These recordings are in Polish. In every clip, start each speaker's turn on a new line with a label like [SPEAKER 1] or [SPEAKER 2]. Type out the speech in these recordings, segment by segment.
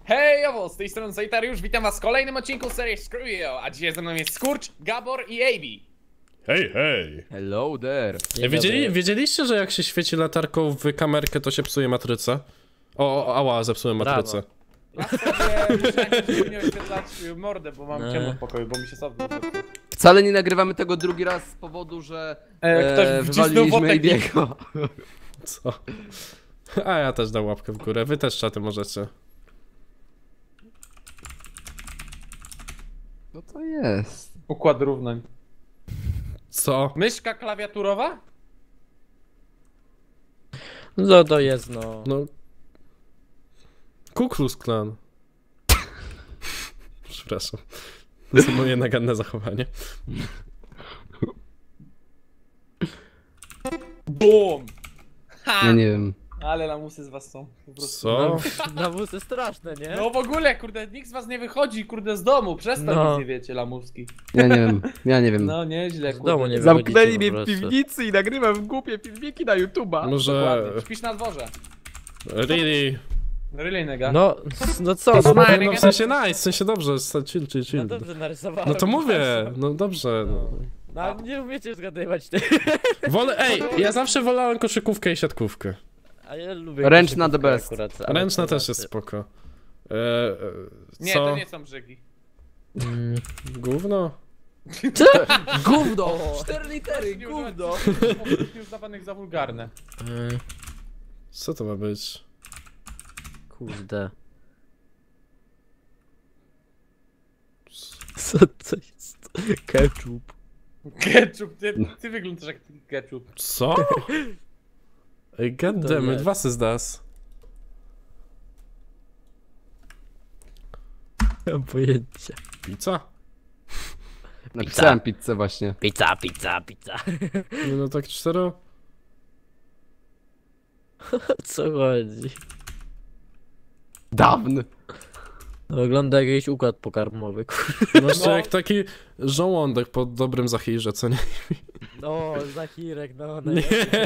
[SPEAKER 1] Hejowo, z tej strony Zajtariusz, witam was w kolejnym odcinku serii Screw-Yo, a dzisiaj ze mną jest Skurcz, Gabor i AB.
[SPEAKER 2] Hej, hej!
[SPEAKER 3] Hello there!
[SPEAKER 2] Wiedzieliście, że jak się świeci latarką w kamerkę, to się psuje matrycę? Ała, zepsułem matrycę.
[SPEAKER 1] Ja sobie muszę nie oświetlać mordę, bo mam ciemno w pokoju, bo mi się sobie
[SPEAKER 3] Wcale nie nagrywamy tego drugi raz z powodu, że
[SPEAKER 1] ktoś wcisnął
[SPEAKER 3] wywaliliśmy
[SPEAKER 1] wotek.
[SPEAKER 3] Ibiego.
[SPEAKER 2] Co? A ja też dam łapkę w górę, wy też czaty możecie.
[SPEAKER 3] Co to jest?
[SPEAKER 1] Układ równań.
[SPEAKER 2] Co?
[SPEAKER 1] Myszka klawiaturowa?
[SPEAKER 4] No to jest, no.
[SPEAKER 2] No... Ku Klux Klan. Przepraszam. To jest moje naganne zachowanie.
[SPEAKER 1] BUM! Ha!
[SPEAKER 3] Ja nie wiem.
[SPEAKER 1] Ale lamusy z was są, po prostu.
[SPEAKER 2] Co?
[SPEAKER 4] Nawózy straszne, nie?
[SPEAKER 1] No w ogóle, kurde, nikt z was nie wychodzi, kurde, z domu, przez to
[SPEAKER 4] No.
[SPEAKER 1] nic nie wiecie, lamuski.
[SPEAKER 3] Ja nie wiem. Ja nie wiem.
[SPEAKER 1] No nieźle,
[SPEAKER 4] Z
[SPEAKER 1] kurde.
[SPEAKER 4] domu nie
[SPEAKER 3] Zamknęli
[SPEAKER 4] wychodzicie
[SPEAKER 3] mnie
[SPEAKER 4] po
[SPEAKER 3] w
[SPEAKER 4] prostu.
[SPEAKER 3] piwnicy i nagrywam głupie filmiki na YouTube'a.
[SPEAKER 2] Może...
[SPEAKER 1] Dokładnie. Śpisz na dworze.
[SPEAKER 2] Really?
[SPEAKER 1] Really, nega.
[SPEAKER 4] No, no co?
[SPEAKER 2] No,
[SPEAKER 4] No,
[SPEAKER 2] no w sensie nice, w sensie dobrze, chill.
[SPEAKER 4] no dobrze narysowałem.
[SPEAKER 2] No to mówię, no dobrze. No.
[SPEAKER 4] No ale nie umiecie zgadywać ty.
[SPEAKER 2] Ej, ja zawsze wolałem koszykówkę i siatkówkę.
[SPEAKER 4] A ja lubię
[SPEAKER 3] Ręczna the
[SPEAKER 4] koszykówkę
[SPEAKER 3] best.
[SPEAKER 4] akurat, ale
[SPEAKER 2] Ręczna
[SPEAKER 4] to
[SPEAKER 2] też jest
[SPEAKER 4] znaczy-
[SPEAKER 2] spoko.
[SPEAKER 1] Nie,
[SPEAKER 2] Co?
[SPEAKER 1] to nie są brzygi.
[SPEAKER 2] Gówno?
[SPEAKER 3] Gówno! 4 litery, gówno!
[SPEAKER 1] Już uznawanych za wulgarne.
[SPEAKER 2] Co to ma być?
[SPEAKER 4] Kurde. Co to jest? Ketchup.
[SPEAKER 1] Ketchup, ty wyglądasz jak ketchup.
[SPEAKER 2] Co? Ej, goddammit, was is das?
[SPEAKER 4] Nie mam pojęcia.
[SPEAKER 2] Pizza?
[SPEAKER 3] Napisałem pizzę właśnie.
[SPEAKER 4] Pizza.
[SPEAKER 2] No tak 4?
[SPEAKER 4] Co chodzi?
[SPEAKER 3] Dawny.
[SPEAKER 4] No, wygląda jak jakiś układ pokarmowy, kurde.
[SPEAKER 2] No jeszcze jak taki żołądek po dobrym zachirze, co nie?
[SPEAKER 4] No, Zachirek, no.
[SPEAKER 2] Nie.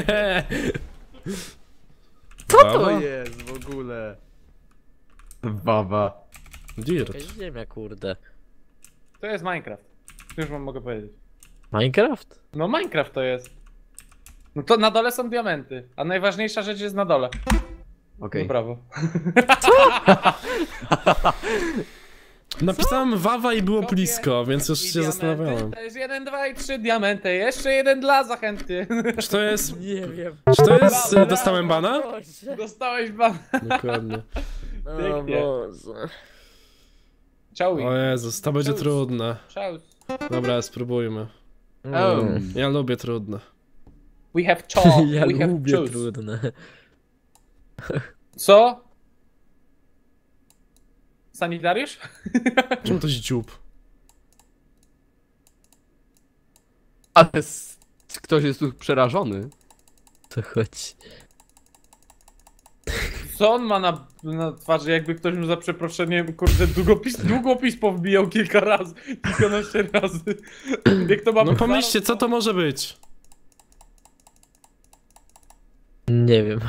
[SPEAKER 3] Co to
[SPEAKER 2] Baba?
[SPEAKER 3] jest w ogóle? Baba.
[SPEAKER 2] Dirt.
[SPEAKER 4] Jakaś ziemia, kurde.
[SPEAKER 1] To jest Minecraft. Już wam mogę powiedzieć.
[SPEAKER 4] Minecraft?
[SPEAKER 1] No Minecraft to jest. No to na dole są diamenty, a najważniejsza rzecz jest na dole.
[SPEAKER 3] Okej.
[SPEAKER 1] No brawo.
[SPEAKER 2] Napisałem wawa i było
[SPEAKER 1] Kopię
[SPEAKER 2] blisko, więc już
[SPEAKER 1] I
[SPEAKER 2] się
[SPEAKER 1] diamenty.
[SPEAKER 2] zastanawiałem.
[SPEAKER 1] To jest 1, 2 i 3 diamenty. Jeszcze jeden dla zachęty.
[SPEAKER 2] Czy to jest...
[SPEAKER 4] Nie wiem.
[SPEAKER 2] Czy to jest...
[SPEAKER 1] Brawo,
[SPEAKER 2] Dostałem bana?
[SPEAKER 4] Boże.
[SPEAKER 1] Dostałeś ban.
[SPEAKER 2] Dokładnie.
[SPEAKER 4] O
[SPEAKER 1] Pięknie.
[SPEAKER 4] Boże.
[SPEAKER 1] Ciao.
[SPEAKER 2] O Jezus, to będzie trudne.
[SPEAKER 1] Ciao.
[SPEAKER 2] Dobra, spróbujmy. Ja lubię trudne.
[SPEAKER 1] We have chalk.
[SPEAKER 4] Ja
[SPEAKER 1] We have
[SPEAKER 4] lubię
[SPEAKER 1] juice.
[SPEAKER 4] trudne.
[SPEAKER 1] Co? Sanitariusz?
[SPEAKER 2] Czemu to jest dziób?
[SPEAKER 3] Ale ktoś jest tu przerażony.
[SPEAKER 4] To chodzi.
[SPEAKER 1] Co on ma na twarzy, jakby ktoś mu za przeproszeniem, kurde, długopis powbijał kilka razy, kilkanaście razy. Jak to ma
[SPEAKER 2] No
[SPEAKER 1] być
[SPEAKER 2] pomyślcie, co to może być?
[SPEAKER 4] Nie wiem.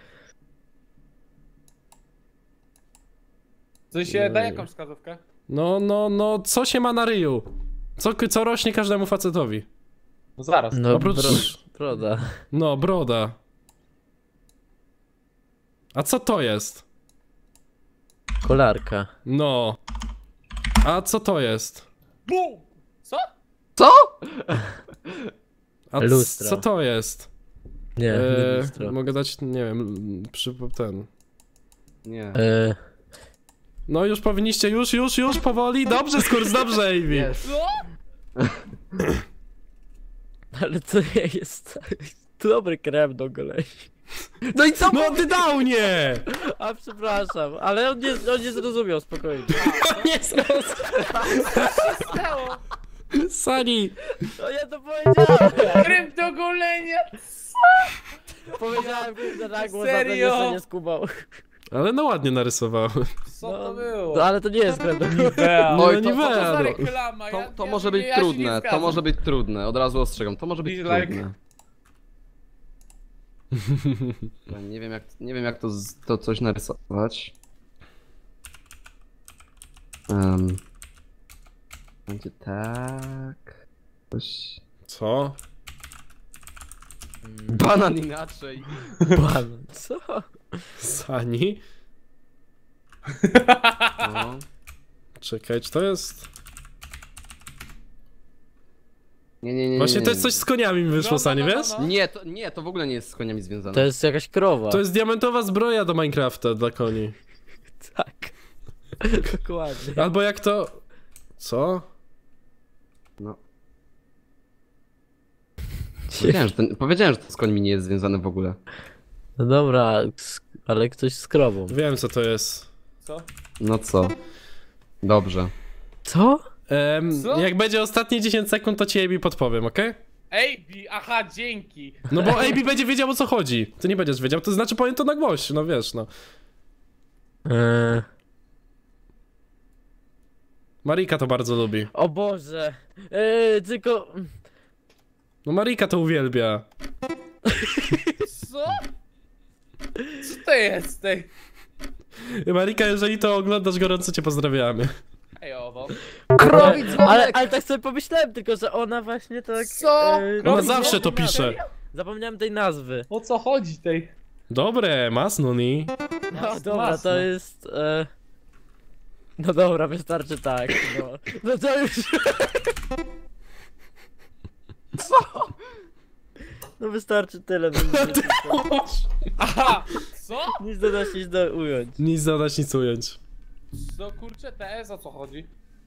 [SPEAKER 1] W sensie, daj jakąś wskazówkę.
[SPEAKER 2] No, co się ma na ryju? Co rośnie każdemu facetowi?
[SPEAKER 1] No zaraz.
[SPEAKER 4] No,
[SPEAKER 2] Oprócz...
[SPEAKER 4] broda.
[SPEAKER 2] No, broda. A co to jest?
[SPEAKER 4] Kolarka.
[SPEAKER 2] No. A co to jest?
[SPEAKER 1] Bum! Co?
[SPEAKER 3] Co?
[SPEAKER 2] A
[SPEAKER 4] Lustro.
[SPEAKER 2] co to jest?
[SPEAKER 4] Nie, nie lustro.
[SPEAKER 2] Mogę dać, nie wiem, ten...
[SPEAKER 3] Nie.
[SPEAKER 2] No już powinniście, już, powoli. Dobrze, Skurs, dobrze, Ivy.
[SPEAKER 3] Jest.
[SPEAKER 1] Co?
[SPEAKER 4] Ale to nie jest dobry krem do goleni.
[SPEAKER 3] No i co?
[SPEAKER 2] No ty dał nie!
[SPEAKER 4] A przepraszam, ale on nie zrozumiał, spokojnie.
[SPEAKER 2] Nie zrozumiał.
[SPEAKER 1] Stało?
[SPEAKER 2] Sani.
[SPEAKER 4] No ja to powiedziałem!
[SPEAKER 1] Krem do golenia!
[SPEAKER 4] Powiedziałem kurde na głos, a
[SPEAKER 1] Serio?
[SPEAKER 4] ten jeszcze nie skubał.
[SPEAKER 2] Ale no ładnie narysowałem.
[SPEAKER 1] Co to było?
[SPEAKER 4] No ale to nie jest krem do goleni.
[SPEAKER 1] Nivea.
[SPEAKER 3] Oj,
[SPEAKER 2] No
[SPEAKER 3] to-
[SPEAKER 2] nie
[SPEAKER 1] Co to za
[SPEAKER 2] wiem.
[SPEAKER 1] reklama?
[SPEAKER 3] To może być
[SPEAKER 1] ja się nie
[SPEAKER 3] trudne, to
[SPEAKER 1] zgadzam.
[SPEAKER 3] może być trudne, od razu ostrzegam, to może być
[SPEAKER 1] Dislike.
[SPEAKER 3] trudne. Ja nie wiem jak to coś narysować. Będzie tak... Coś...
[SPEAKER 2] Co?
[SPEAKER 3] Banan inaczej.
[SPEAKER 4] Pan, co?
[SPEAKER 2] Sani?
[SPEAKER 3] No.
[SPEAKER 2] Czekaj, czy to jest...
[SPEAKER 3] Nie.
[SPEAKER 2] Właśnie to jest coś z koniami mi wyszło, Sani, wiesz?
[SPEAKER 3] Nie, to w ogóle nie jest z koniami związane.
[SPEAKER 4] To jest jakaś krowa.
[SPEAKER 2] To jest diamentowa zbroja do Minecrafta dla koni.
[SPEAKER 4] Tak. Dokładnie.
[SPEAKER 2] Albo jak to... Co?
[SPEAKER 3] No. Powiedziałem, że to z końmi nie jest związane w ogóle.
[SPEAKER 4] No dobra, ale ktoś z krową.
[SPEAKER 2] Wiem, co to jest.
[SPEAKER 1] Co?
[SPEAKER 3] No co? Dobrze.
[SPEAKER 4] Co?
[SPEAKER 1] Co?
[SPEAKER 2] Jak będzie ostatnie 10 sekund, to ci AB podpowiem, okej?
[SPEAKER 1] AB, aha, dzięki.
[SPEAKER 2] No bo AB będzie wiedział, o co chodzi. Ty nie będziesz wiedział, to znaczy powiem to na głoś, no wiesz, no. Marika to bardzo lubi.
[SPEAKER 4] O Boże. Tylko...
[SPEAKER 2] No Marika to uwielbia.
[SPEAKER 1] Co? Co to jest? Ej,
[SPEAKER 2] Marika, jeżeli to oglądasz, gorąco cię pozdrawiamy.
[SPEAKER 1] owo.
[SPEAKER 3] Krowic
[SPEAKER 4] Ale tak sobie pomyślałem, tylko że ona właśnie tak...
[SPEAKER 1] Co?
[SPEAKER 2] Ona zawsze to
[SPEAKER 1] Krowic
[SPEAKER 2] pisze.
[SPEAKER 4] Zapomniałem tej nazwy.
[SPEAKER 1] O co chodzi tej?
[SPEAKER 2] Dobre, masnuni.
[SPEAKER 4] No dobra,
[SPEAKER 1] masno.
[SPEAKER 4] to jest... No dobra, wystarczy tak, no. No to już... Co? No wystarczy tyle,
[SPEAKER 1] Aha! Co?
[SPEAKER 4] nic dodać, nic do ująć.
[SPEAKER 2] Nic zadać, nic ująć.
[SPEAKER 1] Co kurczę, TS, o co chodzi?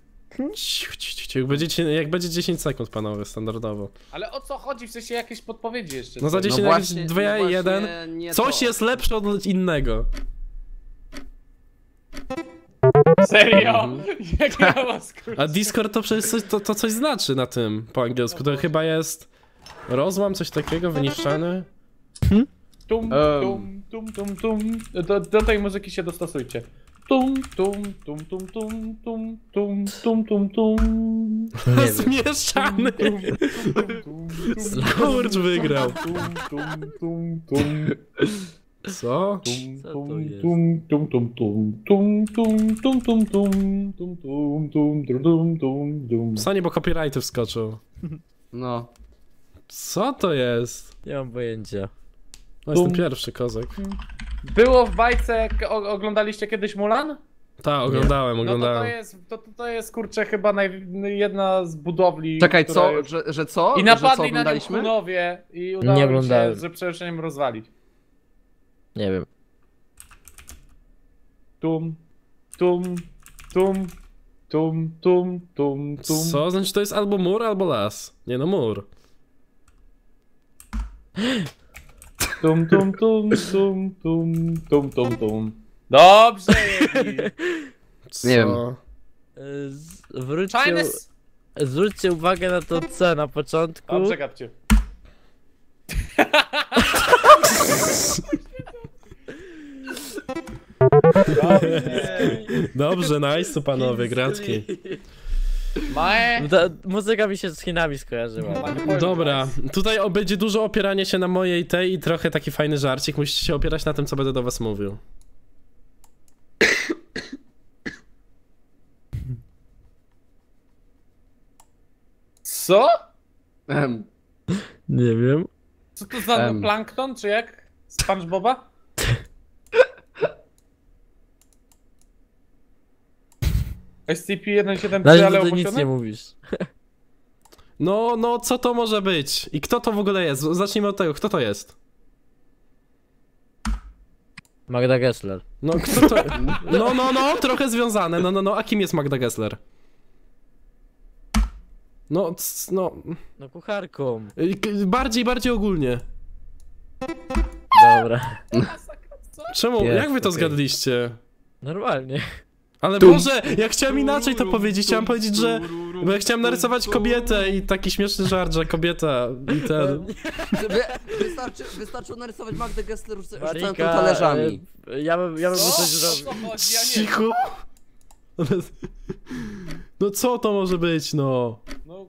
[SPEAKER 2] Jak będzie 10 sekund, panowie, standardowo.
[SPEAKER 1] Ale o co chodzi? W sensie jakieś podpowiedzi jeszcze.
[SPEAKER 2] No za 10,
[SPEAKER 3] No
[SPEAKER 2] jakieś
[SPEAKER 3] właśnie,
[SPEAKER 2] 2,
[SPEAKER 3] no właśnie
[SPEAKER 2] 1.
[SPEAKER 3] nie
[SPEAKER 2] Coś
[SPEAKER 3] to.
[SPEAKER 2] jest lepsze od innego.
[SPEAKER 1] Serio? Jak ja was kurczę.
[SPEAKER 2] A Discord to przecież to coś znaczy na tym po angielsku. To chyba jest rozłam, coś takiego, wyniszczany.
[SPEAKER 1] Tum, tum, tum, tum, tum. Do tej muzyki się dostosujcie. Tum, tum, tum, tum, tum, tum, tum, tum, tum, tum.
[SPEAKER 2] Zmieszany. Skurcz wygrał.
[SPEAKER 1] Tum, tum, tum, tum.
[SPEAKER 2] Co?
[SPEAKER 4] Co to jest?
[SPEAKER 1] Tum, tum, tum, tum, tum, tum, tum, tum, tum, tum, tum, tum, tum, tum, tum.
[SPEAKER 2] Sani, bo copyrighty wskoczył.
[SPEAKER 3] No.
[SPEAKER 2] Co to jest?
[SPEAKER 4] Nie mam pojęcia.
[SPEAKER 2] No, jestem pierwszy, kozak.
[SPEAKER 1] Było w bajce, oglądaliście kiedyś Mulan?
[SPEAKER 2] Tak, oglądałem.
[SPEAKER 1] No to jest kurczę chyba jedna z budowli.
[SPEAKER 3] Czekaj,
[SPEAKER 1] która
[SPEAKER 3] co?
[SPEAKER 1] jest-
[SPEAKER 3] Że co?
[SPEAKER 1] I
[SPEAKER 3] Że co
[SPEAKER 1] napadli na nią
[SPEAKER 3] oglądaliśmy?
[SPEAKER 1] Hunowie i
[SPEAKER 4] Nie
[SPEAKER 1] udało im się
[SPEAKER 4] oglądałem.
[SPEAKER 1] z przeproszeniem rozwalić.
[SPEAKER 4] Nie wiem.
[SPEAKER 1] Tum, tum, tum, tum, tum, tum, tum.
[SPEAKER 2] Co? Znaczy to jest albo mur, albo las. Nie no, mur.
[SPEAKER 1] Tum, tum, tum, tum, tum, tum, tum, tum. Dobrze, Jebi.
[SPEAKER 2] Co?
[SPEAKER 3] Nie wiem.
[SPEAKER 4] Zwróćcie,
[SPEAKER 1] Chinese...
[SPEAKER 4] zwróćcie uwagę na to C na początku.
[SPEAKER 1] Dobrze, gadźcie.
[SPEAKER 2] Dobrze, nice, panowie, gracki.
[SPEAKER 1] Mae.
[SPEAKER 4] Ta muzyka mi się z Chinami skojarzyła.
[SPEAKER 2] Dobra, tutaj będzie dużo opierania się na mojej tej i trochę taki fajny żarcik. Musicie się opierać na tym, co będę do was mówił.
[SPEAKER 1] Co?
[SPEAKER 4] Nie wiem.
[SPEAKER 1] Co to za plankton, czy jak? SpongeBoba? SCP-173,
[SPEAKER 4] Na razie
[SPEAKER 1] ale
[SPEAKER 4] to nic nie
[SPEAKER 1] opuszczony?
[SPEAKER 4] mówisz.
[SPEAKER 2] No, co to może być? I kto to w ogóle jest? Zacznijmy od tego, kto to jest?
[SPEAKER 4] Magda Gessler.
[SPEAKER 2] No, kto to... No, trochę związane. No, a kim jest Magda Gessler? No,
[SPEAKER 4] No kucharką.
[SPEAKER 2] bardziej ogólnie.
[SPEAKER 4] Dobra.
[SPEAKER 2] Czemu?
[SPEAKER 4] Jest,
[SPEAKER 2] Jak wy to
[SPEAKER 4] okej.
[SPEAKER 2] zgadliście?
[SPEAKER 4] Normalnie.
[SPEAKER 2] Ale Boże, ja chciałem inaczej to powiedzieć, chciałem powiedzieć, że... Bo ja chciałem narysować kobietę i taki śmieszny żart, że kobieta i ten...
[SPEAKER 3] Wystarczyło narysować Magdę Gessler rzucając
[SPEAKER 4] Marika,
[SPEAKER 3] talerzami.
[SPEAKER 4] Ja bym
[SPEAKER 1] O,
[SPEAKER 4] coś
[SPEAKER 1] o
[SPEAKER 4] zrobił.
[SPEAKER 1] co chodzi? Ja nie
[SPEAKER 2] Cicho. No co to może być, no?
[SPEAKER 1] No.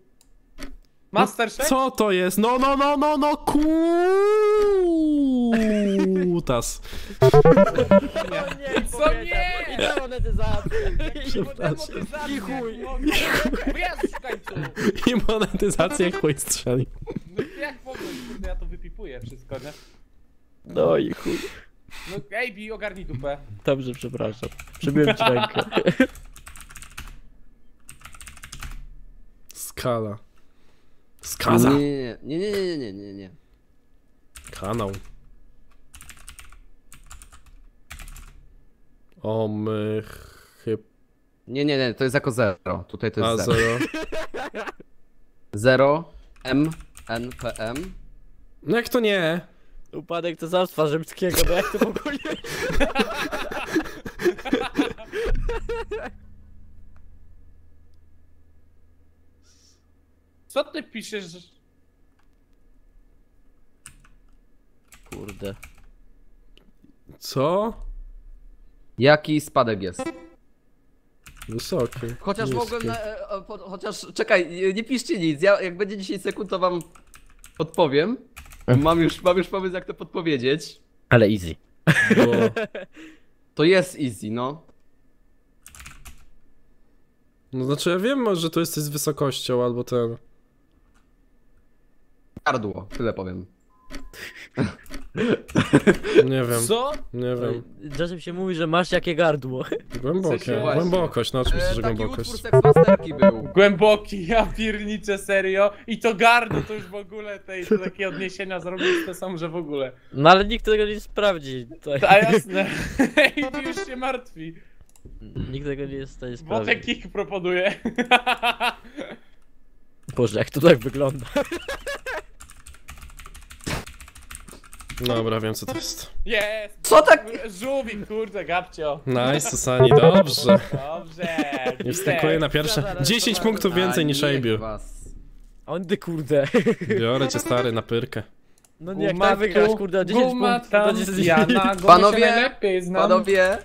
[SPEAKER 1] Master Chef?
[SPEAKER 2] Co to jest? No, kutas.
[SPEAKER 4] Nie,
[SPEAKER 1] Co nie?
[SPEAKER 4] I demonetyzacja.
[SPEAKER 2] Przepraszam.
[SPEAKER 4] I chuj.
[SPEAKER 1] Jezus, w końcu!
[SPEAKER 2] I monetyzacja chuj strzeli.
[SPEAKER 1] No jak mogę? Kurde, ja to wypipuję wszystko, nie?
[SPEAKER 4] No i chuj.
[SPEAKER 1] No AB, ogarnij dupę.
[SPEAKER 4] Dobrze, przepraszam. Przybiłem ci rękę.
[SPEAKER 2] Skala. Skaza.
[SPEAKER 3] Nie.
[SPEAKER 2] Kanał. O my chyb...
[SPEAKER 3] Nie, to jest jako 0. Tutaj to
[SPEAKER 2] A
[SPEAKER 3] jest 0.
[SPEAKER 2] 0.
[SPEAKER 3] 0, M, N, P, M.
[SPEAKER 2] No jak to nie?
[SPEAKER 4] Upadek cesarstwa rzymskiego, bo jak to w ogóle...
[SPEAKER 1] Co ty piszesz?
[SPEAKER 4] Kurde.
[SPEAKER 2] Co?
[SPEAKER 3] Jaki spadek jest?
[SPEAKER 2] Wysoki.
[SPEAKER 3] Chociaż
[SPEAKER 2] Niski.
[SPEAKER 3] mogłem chociaż, czekaj, nie piszcie nic, ja jak będzie 10 sekund to wam odpowiem. Mam już pomysł jak to podpowiedzieć.
[SPEAKER 4] Ale easy.
[SPEAKER 2] Bo...
[SPEAKER 3] To jest easy, no.
[SPEAKER 2] No znaczy ja wiem, że to jesteś z wysokością albo ten...
[SPEAKER 3] Gardło, tyle powiem.
[SPEAKER 2] Nie wiem.
[SPEAKER 1] Co?
[SPEAKER 2] Nie wiem.
[SPEAKER 4] Czasem się mówi, że masz jakie gardło.
[SPEAKER 2] Głębokie.
[SPEAKER 1] W sensie-
[SPEAKER 2] Głębokość, no oczywiście, że
[SPEAKER 3] Taki
[SPEAKER 2] głębokość.
[SPEAKER 3] utwór Seksmasterki był.
[SPEAKER 1] Głęboki, ja pierniczę, serio. I to gardło to już w ogóle to takie odniesienia zrobić to są, że w ogóle.
[SPEAKER 4] No ale nikt tego nie sprawdzi. Tak.
[SPEAKER 1] A jasne. AB już się martwi.
[SPEAKER 4] Nikt tego nie jest w stanie
[SPEAKER 1] Wotek
[SPEAKER 4] sprawdzić.
[SPEAKER 1] kick proponuje.
[SPEAKER 4] Boże, jak to tak wygląda.
[SPEAKER 2] Dobra, wiem co to jest.
[SPEAKER 1] Jest!
[SPEAKER 3] Co tak?
[SPEAKER 1] Żółwik, kurde, gabcio.
[SPEAKER 2] Nice, Susani, dobrze.
[SPEAKER 1] Dobrze.
[SPEAKER 2] Nie wskakuję na pierwsze. 10 punktów więcej niż
[SPEAKER 3] niech
[SPEAKER 2] Abiu.
[SPEAKER 3] was.
[SPEAKER 4] A on ty kurde.
[SPEAKER 2] Biorę cię stary na pyrkę.
[SPEAKER 4] No nie, jak tak wygrasz, kurde, o 10 punktów. To nie
[SPEAKER 1] Ja na głowie
[SPEAKER 3] Panowie,
[SPEAKER 1] się najlepiej znam.
[SPEAKER 3] Panowie,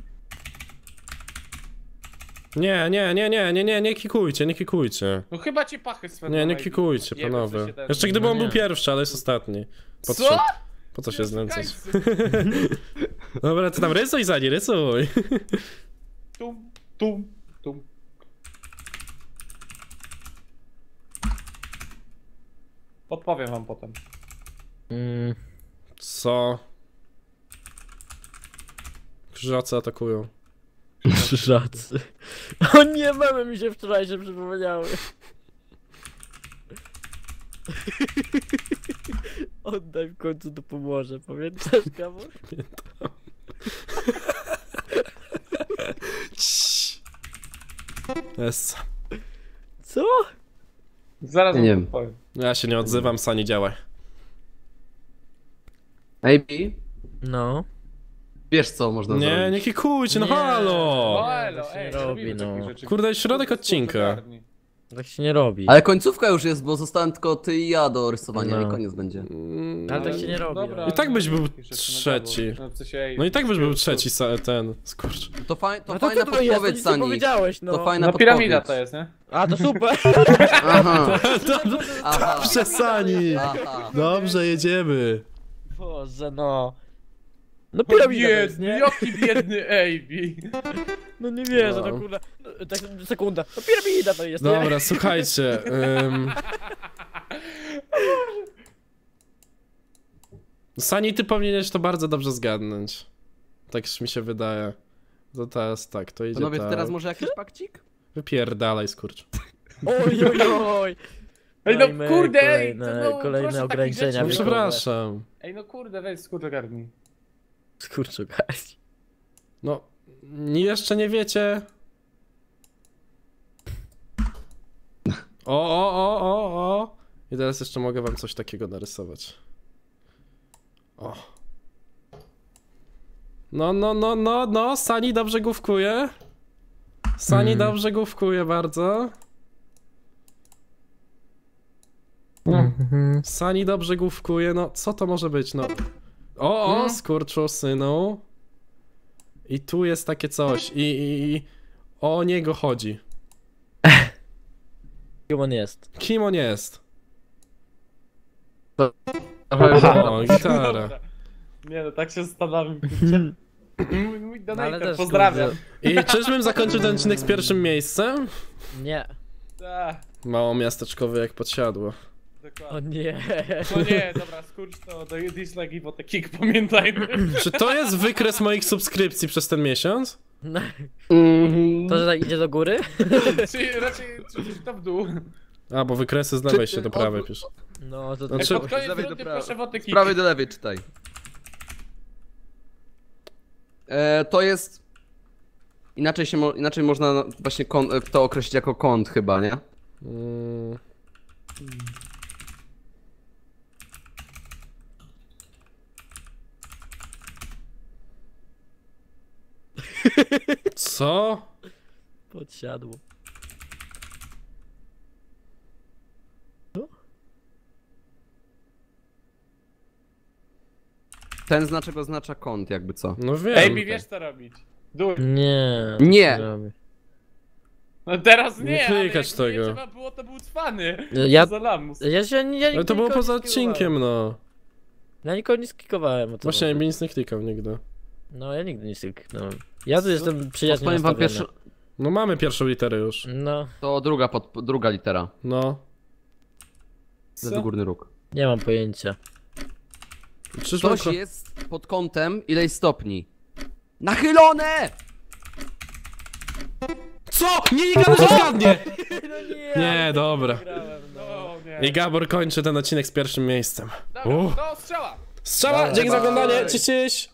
[SPEAKER 2] Nie kikujcie, nie kikujcie.
[SPEAKER 1] No chyba ci pachy swędzą.
[SPEAKER 2] Nie
[SPEAKER 1] AB.
[SPEAKER 2] kikujcie,
[SPEAKER 1] Nie wiem,
[SPEAKER 2] panowie.
[SPEAKER 1] co się teraz-
[SPEAKER 2] Jeszcze gdyby on
[SPEAKER 4] No
[SPEAKER 2] był
[SPEAKER 4] nie.
[SPEAKER 2] pierwszy, ale jest ostatni. Po
[SPEAKER 1] Co?
[SPEAKER 2] trzy. Po co się znęcać? Dobra, ty tam rysuj Zani, rysuj.
[SPEAKER 1] Tum. Podpowiem wam potem.
[SPEAKER 2] Co? Krzyżacy atakują.
[SPEAKER 4] Krzyżacy. O nie, memy mi się wczoraj przypomniały. Oddaj w końcu to pomoże, pamiętasz, Kamol?
[SPEAKER 2] Jest.
[SPEAKER 4] Co?
[SPEAKER 1] Zaraz
[SPEAKER 3] Nie
[SPEAKER 1] wam
[SPEAKER 3] wiem.
[SPEAKER 1] podpowiem.
[SPEAKER 2] Ja się nie odzywam, Sani, działaj.
[SPEAKER 3] AB,
[SPEAKER 4] No.
[SPEAKER 3] wiesz co można
[SPEAKER 2] Nie,
[SPEAKER 3] zrobić.
[SPEAKER 2] nie kikujcie, no
[SPEAKER 4] Nie.
[SPEAKER 2] halo!
[SPEAKER 1] O, elo,
[SPEAKER 4] tak się
[SPEAKER 1] ej,
[SPEAKER 4] nie robi,
[SPEAKER 1] robimy
[SPEAKER 4] no.
[SPEAKER 1] takich rzeczy.
[SPEAKER 2] Kurde, środek odcinka.
[SPEAKER 1] Ogarnij.
[SPEAKER 4] Tak się nie robi.
[SPEAKER 3] Ale końcówka już jest, bo zostałem tylko ty i ja do rysowania
[SPEAKER 4] No.
[SPEAKER 3] i koniec będzie.
[SPEAKER 4] Ale tak się nie robi.
[SPEAKER 1] Dobra,
[SPEAKER 2] I tak byś był
[SPEAKER 1] takich rzeczy
[SPEAKER 2] trzeci.
[SPEAKER 1] No, w sensie,
[SPEAKER 2] No i tak byś był trzeci, ten, skurcz.
[SPEAKER 3] To,
[SPEAKER 4] No to
[SPEAKER 3] fajna
[SPEAKER 4] ty to jest, to
[SPEAKER 3] podpowiedź,
[SPEAKER 4] nic nie
[SPEAKER 3] Sani.
[SPEAKER 4] powiedziałeś, no.
[SPEAKER 3] To fajna
[SPEAKER 1] No
[SPEAKER 3] podpowiedź.
[SPEAKER 1] piramida to jest, nie?
[SPEAKER 4] A, to super.
[SPEAKER 3] Aha, aha,
[SPEAKER 2] Dobrze, Sani!
[SPEAKER 3] aha.
[SPEAKER 2] Dobrze, jedziemy.
[SPEAKER 4] Boże, no. No piramida to jest,
[SPEAKER 1] Biedny,
[SPEAKER 4] nie?
[SPEAKER 1] jaki biedny AB.
[SPEAKER 4] No nie wierzę,
[SPEAKER 2] No.
[SPEAKER 4] no kurwa. No, tak, sekunda. No piramida to jest, nie?
[SPEAKER 2] Dobra, słuchajcie. Sani, ty powinieneś to bardzo dobrze zgadnąć. Tak już mi się wydaje. To teraz tak, to idzie
[SPEAKER 3] Panowie,
[SPEAKER 2] tak.
[SPEAKER 3] teraz może jakiś pakcik?
[SPEAKER 2] Wypierdalaj, skurcz.
[SPEAKER 4] Oj, oj, oj.
[SPEAKER 1] Ej, no
[SPEAKER 4] Dajmy
[SPEAKER 1] kurde, ej,
[SPEAKER 4] kolejne-
[SPEAKER 1] to no,
[SPEAKER 4] kolejne
[SPEAKER 1] proszę takich
[SPEAKER 4] ograniczenia
[SPEAKER 1] rzeczy
[SPEAKER 2] No
[SPEAKER 1] nie
[SPEAKER 4] wiekowe.
[SPEAKER 2] przepraszam.
[SPEAKER 1] Ej, no kurde, weź skurczę garni.
[SPEAKER 4] Skurczu, guys.
[SPEAKER 2] No, jeszcze nie wiecie. O. I teraz jeszcze mogę wam coś takiego narysować. O. No, Sani dobrze główkuje. Sani dobrze główkuje bardzo. Sani dobrze główkuje, no co to może być, no. O, skurczu synu. I tu jest takie coś i o niego chodzi.
[SPEAKER 4] Kim on jest?
[SPEAKER 2] Kim on jest?
[SPEAKER 3] Aha.
[SPEAKER 2] O, gitara.
[SPEAKER 1] Nie no, tak się zastanawiam, kurczę. Mój
[SPEAKER 4] No, ale
[SPEAKER 1] donator,
[SPEAKER 4] też,
[SPEAKER 1] pozdrawiam.
[SPEAKER 2] I czyżbym zakończył ten odcinek z pierwszym miejscem?
[SPEAKER 4] Nie.
[SPEAKER 1] Tak,
[SPEAKER 2] Mało miasteczkowe jak podsiadło.
[SPEAKER 4] O
[SPEAKER 1] dokładnie.
[SPEAKER 4] nie.
[SPEAKER 1] No nie, dobra, skurcz to daję dislike i wodę kick, pamiętajmy.
[SPEAKER 2] Czy to jest wykres moich subskrypcji przez ten miesiąc?
[SPEAKER 4] No,
[SPEAKER 3] Mhm.
[SPEAKER 4] to, że tak idzie do góry?
[SPEAKER 1] Czy raczej to w dół.
[SPEAKER 2] A, bo wykresy z lewej się do prawej pisze.
[SPEAKER 4] No to...
[SPEAKER 2] Znaczy-
[SPEAKER 1] Pod koniec
[SPEAKER 3] Z lewej do
[SPEAKER 1] rundy
[SPEAKER 3] prawej.
[SPEAKER 1] proszę wodę
[SPEAKER 3] Z
[SPEAKER 1] kick.
[SPEAKER 3] prawej do lewej czytaj. To jest... Inaczej można właśnie to określić jako kąt chyba, nie?
[SPEAKER 2] Mm. Co?
[SPEAKER 4] Podsiadło.
[SPEAKER 3] Ten znaczek oznacza kąt, jakby co.
[SPEAKER 2] No wiem.
[SPEAKER 1] Ej, mi wiesz co robić. Dół.
[SPEAKER 4] Nie.
[SPEAKER 3] Nie.
[SPEAKER 4] robię.
[SPEAKER 1] No teraz
[SPEAKER 2] Nie
[SPEAKER 1] nie,
[SPEAKER 2] klikać
[SPEAKER 1] ale
[SPEAKER 2] tego.
[SPEAKER 1] jak nie trzeba było, to był cwany.
[SPEAKER 4] Ja-
[SPEAKER 1] Za lamus.
[SPEAKER 2] Ale to było poza odcinkiem, no.
[SPEAKER 4] Ja nikogo nie sklikowałem. O to
[SPEAKER 2] Właśnie
[SPEAKER 4] chodzi.
[SPEAKER 2] ja nic nie klikał nigdy.
[SPEAKER 4] No ja nigdy nie kliknąłem. Ja tu jestem przyjaźnie
[SPEAKER 3] Powiem wam
[SPEAKER 4] nastawiony.
[SPEAKER 3] pierwszy...
[SPEAKER 2] No mamy pierwszą literę już.
[SPEAKER 4] No,
[SPEAKER 3] To druga litera.
[SPEAKER 2] No.
[SPEAKER 3] Lewy górny róg.
[SPEAKER 4] nie mam pojęcia.
[SPEAKER 2] Czyżby
[SPEAKER 3] Coś jest pod kątem ileś stopni. Nachylone!
[SPEAKER 2] Co? Nie, Gabor się zgadnie!
[SPEAKER 4] No
[SPEAKER 2] Nie, dobra.
[SPEAKER 1] No nie.
[SPEAKER 2] I Gabor kończy ten odcinek z pierwszym miejscem.
[SPEAKER 1] Dobra, to strzała.
[SPEAKER 2] Strzała,
[SPEAKER 4] Dobra,
[SPEAKER 2] dzięki za
[SPEAKER 3] bye.
[SPEAKER 2] oglądanie, cześć, cześć!